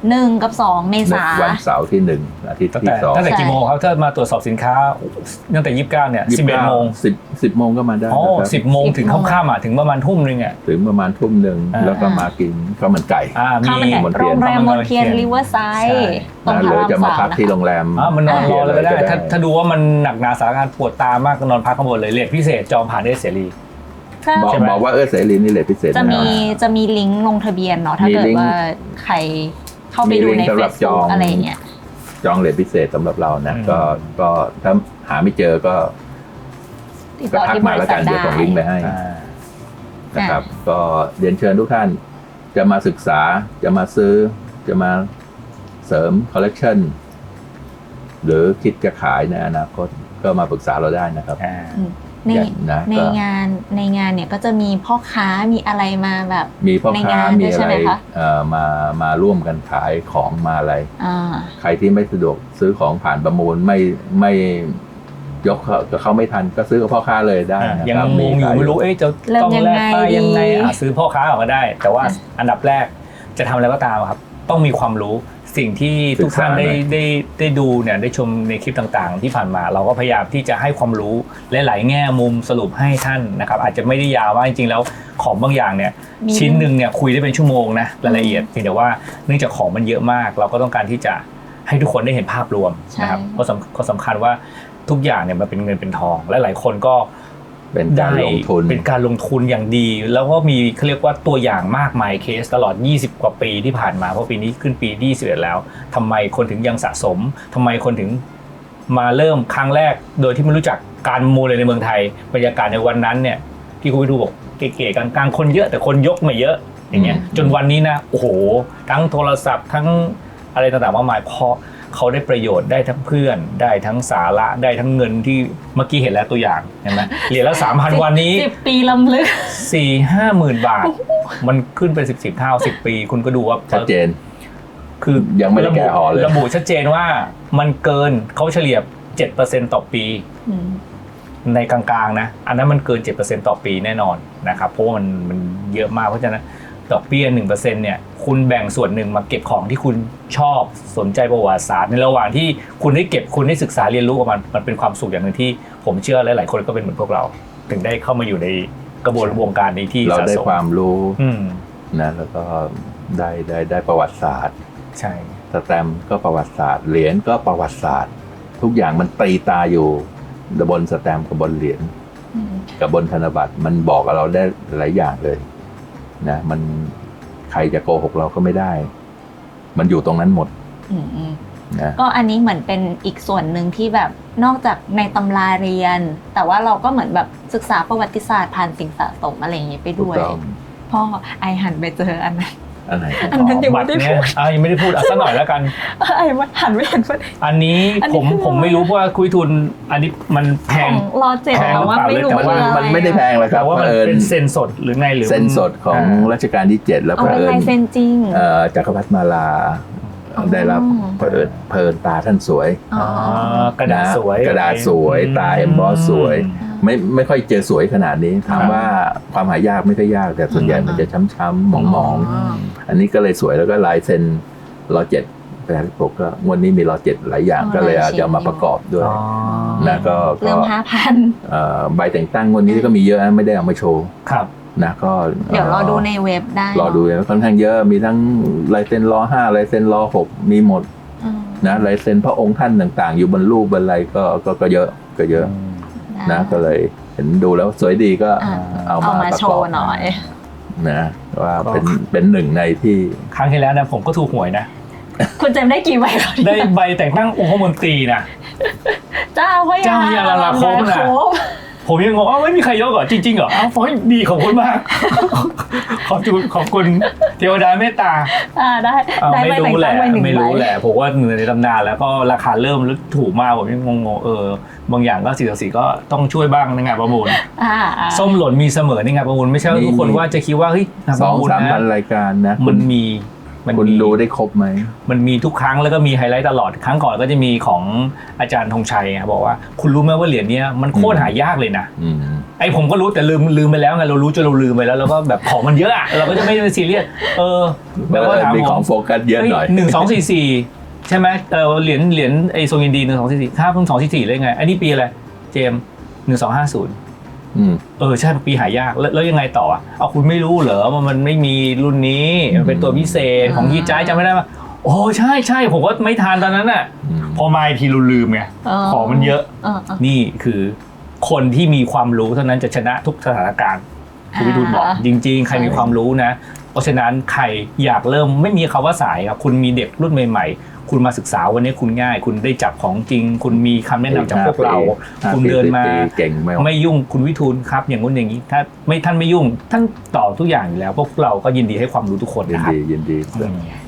[SPEAKER 2] 1 กับ 2 เมษายน
[SPEAKER 1] วันเสาร์ที่1อาทิตย์ที่2
[SPEAKER 3] ตั้งแต่กี่โมงครับถ้ามาตรวจสอบสินค้าตั้งแต่29เนี่ย11 โมง
[SPEAKER 1] 10 โมงก็มาได้
[SPEAKER 3] 10 โมงถึงค่ำถึงประมาณทุ่มนึง
[SPEAKER 1] ถึงประมาณทุ่มนึงแล้วก็มากินข้าวมันไก่
[SPEAKER 2] มีโรงแรมมอนเทียนริเวอร์ไซด์ตรงพาราม
[SPEAKER 1] 3จะมาพักที่โรงแรม
[SPEAKER 3] มันนอนรอเลยก็ได้ถ้าดูว่ามันหนักหนาสาหัสปวดตามากก็นอนพักข้างบนเลยเรทพิเศษจองผ่านได้เสรี
[SPEAKER 1] บอกว่าเสรีนี่เรทพิเศษ
[SPEAKER 2] จะมีลิงก์ลงทะเบียนเนาะถ้าเกิดว่าใครเข้าไปดูใน Facebook อะไรเงี้ย
[SPEAKER 1] จองเรทพิเศษสำหรับเรานะก็ถ้าหาไม่เจอก็ทักมาแล้วกันเดี๋ยวส่งลิงก์ไปให้นะครับก็เรียนเชิญทุกท่านจะมาศึกษาจะมาซื้อจะมาเสริมคอลเลกชันหรือคิดจะขายในอนาคตก็มาปรึกษาเราได้นะครับ
[SPEAKER 2] ในงานเนี่ยก็จะมีพ่อค้ามีอะไรมาแบบ
[SPEAKER 1] มีพ่อค้ามีอะไรมาร่วมกันขายของมาอะไรใครที่ไม่สะดวกซื้อของผ่านประมูลไม่ยกเขาไม่ทันก็ซื้อกับพ่อค้าเลยได้
[SPEAKER 3] ยังงงอยู่ไม่รู้จะต้องแลกป้ายยังไงซื้อพ่อค้าออกมาได้แต่ว่าอันดับแรกจะทำอะไรก็ตามครับต้องมีความรู้สิ่งที่ทุกท่านได้ดูเนี่ยได้ชมในคลิปต่างๆที่ผ่านมาเราก็พยายามที่จะให้ความรู้และหลายแง่มุมสรุปให้ท่านนะครับอาจจะไม่ได้ยาวว่าจริงๆแล้วของบางอย่างเนี่ยชิ้นหนึ่งเนี่ยคุยได้เป็นชั่วโมงนะรายละเอียดเพียงแต่ว่าเนื่องจากของมันเยอะมากเราก็ต้องการที่จะให้ทุกคนได้เห็นภาพรวมนะครับก็สำคัญว่าทุกอย่างเนี่ยมันเป็นเงินเป็นทองและหลายคนก็
[SPEAKER 1] เป็นการลง
[SPEAKER 3] ทุนอย่างดีแล้วก็มีเขาเรียกว่าตัวอย่างมากมายเคสตลอด20 กว่าปีที่ผ่านมาเพราะปีนี้ขึ้นปีที่21แล้วทำไมคนถึงยังสะสมทำไมคนถึงมาเริ่มครั้งแรกโดยที่ไม่รู้จักการมูลเลยในเมืองไทยบรรยากาศในวันนั้นเนี่ยที่คุณไปดูบอกเก๋ๆกลางๆคนเยอะแต่คนยกไม่เยอะอย่างเงี้ยจนวันนี้นะโอ้โหทั้งโทรศัพท์ทั้งอะไรต่างๆมากมายเพราะเขาได้ประโยชน์ได้ทั้งเพื่อนได้ทั้งสาระได้ทั้งเงินที่เมื่อกี้เห็นแล้วตัวอย่างเห็นไหมเหรียญละ 3,000 วันนี้
[SPEAKER 2] 10 ปีลำลึก
[SPEAKER 3] 4-5 หมื่นบาท มันขึ้นเป็น10เท่า10 ปีคุณก็ดูว่า
[SPEAKER 1] ชัดเจน
[SPEAKER 3] คือ
[SPEAKER 1] ยังไม่ได้แกะห่อเลย
[SPEAKER 3] ระบุชัดเจนว่ามันเกินเขาเฉลี่ย 7% ต่อปี ในกลางๆนะอันนั้นมันเกิน 7% ต่อปีแน่นอนนะครับเพราะว่ามันเยอะมากเพราะฉะนั้นดอกเบี้ย 1% เนี่ยคุณแบ่งส่วนหนึ่งมาเก็บของที่คุณชอบสนใจประวัติศาสตร์ในระหว่างที่คุณได้เก็บคุณได้ศึกษาเรียนรู้กับมันเป็นความสุขอย่างหนึ่งที่ผมเชื่อหลายๆคนก็เป็นเหมือนพวกเราถึงได้เข้ามาอยู่ในกระบวนวงการนี้ที่
[SPEAKER 1] เราได้ความรู้นะแล้วก็ได้ประวัติศาสตร์
[SPEAKER 3] ใช่
[SPEAKER 1] สแตมป์ก็ประวัติศาสตร์เหรียญก็ประวัติศาสตร์ทุกอย่างมันตีตาอยู่บนสแตมป์กับบนเหรียญกับบนธนบัตรมันบอกกับเราได้หลายอย่างเลยนะมันใครจะโกหกเราก็ไม่ได้มันอยู่ตรงนั้นหมดนะ
[SPEAKER 2] ก็อันนี้เหมือนเป็นอีกส่วนหนึ่งที่แบบนอกจากในตำราเรียนแต่ว่าเราก็เหมือนแบบศึกษาประวัติศาสตร์ผ่านสิ่งสะสมอะไรอย่างเงี้ยไปด้วยพ่อไอหันไปเจออันนั้น
[SPEAKER 1] อันไหน
[SPEAKER 3] อันนั้นยังไม่ได้พูดยังไม่ได้พูดสักหน่อยแล้วกัน
[SPEAKER 2] ไอ้หันไม่เห็น
[SPEAKER 3] อันนี้ผมไม่รู้เพราะว่าคุยทุนอันนี้มันแพง
[SPEAKER 2] รอเจ็ดแต่ว่าไม่รู้
[SPEAKER 1] มันไม่ได้แพงเลยครับ
[SPEAKER 3] ว่ามันเป็นเซ็นสดหรือไงหรือ
[SPEAKER 1] เซ็นสดของรัชกาลที่7แล้ว
[SPEAKER 2] เผอิญเซ็นจริง
[SPEAKER 1] จักรพรรดิมาลาได้รับเผอิญตาท่านสวย
[SPEAKER 3] กระดาษส
[SPEAKER 1] วยตาเอ็มบอสสวยไม่ค่อยเจอสวยขนาดนี้ถามว่าความหายากไม่ค่อยยากแต่ส่วนใหญ่มันจะช้ำๆหมองๆอันนี้ก็เลยสวยแล้วก็ลายเซ็นรอ7แต่ปกก็งวดนี้มีรอ7หลายอย่างก็เลยอาจจะมาประกอบด้วยนะก็
[SPEAKER 2] เริ่ม 5,000
[SPEAKER 1] ใบแต่งตั้งงวดนี้ก็มีเยอะไม่ได้เอามาโชว์
[SPEAKER 3] ครับ
[SPEAKER 1] นะก็
[SPEAKER 2] เดี๋ยวรอดูในเว็บได้
[SPEAKER 1] รอดูค่อนข้างเยอะมีทั้งลายเซ็นรอ5ลายเซ็นรอ6มีหมดนะลายเซ็นพระองค์ท่านต่างๆอยู่บนรูปบนอะไรก็เยอะนะก็เลยเห็นดูแล้วสวยดีก็เอามา
[SPEAKER 2] โชว์หน่อย
[SPEAKER 1] นะว่าเป็นหนึ่งในที่
[SPEAKER 3] ครั้งที่แล้วนะผมก็ถูกหวยนะ
[SPEAKER 2] คุณเจมได้กี่ใบ
[SPEAKER 3] ได้ใบแต่งตั้งองค์มนตรีนะ
[SPEAKER 2] เจ้าพระยา
[SPEAKER 3] ลาโคมนะผมยังงงไม่มีใครยกเหรอจริงๆเหรอฟอยดีของคุณมากขอบคุณเทวดาเมตตา
[SPEAKER 2] ได้
[SPEAKER 3] ไม่รู้แหละผมว่าเหนือในตำนานแล้วก็ราคาเริ่มถูกมากผมยังงงบางอย่างก็4/4ก็ต้องช่วยบ้างในงานประมูลส้มหล่นมีเสมอในงานประมูลไม่ใช่ทุกคนว่าจะคิดว่าเฮ้ยงานประมูลนะ
[SPEAKER 1] 2-3 รายการนะ
[SPEAKER 3] มัน
[SPEAKER 1] คุณดูได้ครบไหม
[SPEAKER 3] มันมีทุกครั้งแล้วก็มีไฮไลท์ตลอดครั้งก่อนก็จะมีของอาจารย์ธงชัยบอกว่าคุณรู้ไหมว่าเหรียญนี้มันโคตรหายากเลยนะไอผมก็รู้แต่ลืมไปแล้วไงเรารู้จนเราลืมไปแล้วแล้วก็แบบของมันเยอะเราก็จะไม่ซีเรียส
[SPEAKER 1] แบบว่ามีของโฟกัสเยอะหน่อย
[SPEAKER 3] 1244ใช่ไหมเหรียญไอโซยินดี1244ค่าเพิ่ง244เลยไงอันนี้ปีอะไรเจม1250ใช่ปีหายากแล้วยังไงต่อเอาคุณไม่รู้เหรอว่ามันไม่มีรุ่นนี้มันเป็นตัวพิเศษของยี่จ้ายจำไม่ได้ป่ะโอ้ใช่ผมก็ไม่ทานตอนนั้นน่ะพอมาทีเราลืมไงของมันเยอะนี่คือคนที่มีความรู้เท่านั้นจะชนะทุกสถานการณ์คุณวิทูลบอกจริงๆใครมีความรู้นะเพราะฉะนั้นใครอยากเริ่มไม่มีคำว่าสายครับคุณมีเด็กรุ่นใหม่ๆคุณมาศึกษาวันนี้คุณง่ายคุณได้จับของจริงคุณมีคำแนะนำจากพวกเราคุณเดินมาไม่ยุ่งคุณวิทูลครับอย่างนู้นอย่างนี้ถ้าท่านไม่ยุ่งท่านตอบทุกอย่างอยู่แล้วพวกเราก็ยินดีให้ความรู้ทุกคนนะครับ
[SPEAKER 1] ยินดี